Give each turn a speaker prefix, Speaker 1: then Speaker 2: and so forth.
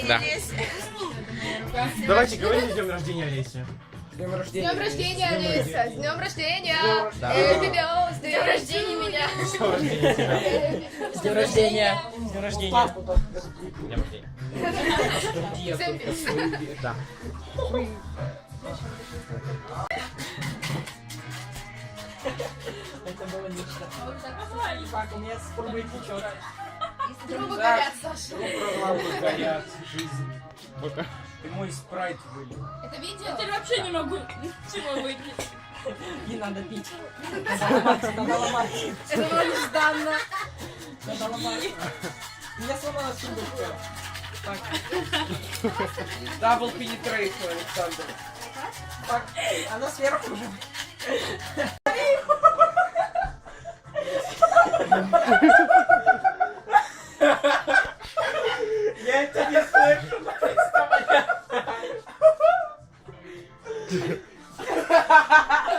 Speaker 1: Да.
Speaker 2: Давайте говорим с днем рождения, Олеся.
Speaker 3: С днем рождения,
Speaker 4: Олеся! С днем рождения!
Speaker 2: Да.
Speaker 4: С днем рождения меня!
Speaker 2: С днем рождения тебя.
Speaker 3: С днем рождения!
Speaker 2: С днем рождения. С днем рождения. Да.
Speaker 3: Это было нечто. Так, у меня спробуй течет.
Speaker 4: Трубы горят, Саша.
Speaker 2: Горят, жизнь.
Speaker 3: Ты мой спрайт вылил.
Speaker 4: Это видео?
Speaker 5: Теперь вообще не могу ничего выпить.
Speaker 3: Не надо пить. Надо ломать, надо ломать.
Speaker 4: Это было нежданно.
Speaker 3: Надо ломать. У меня сломалась сундучка. Так. Double penetration, Александр. Так, она сверху уже. Я это не слышу, наконец-то понятно.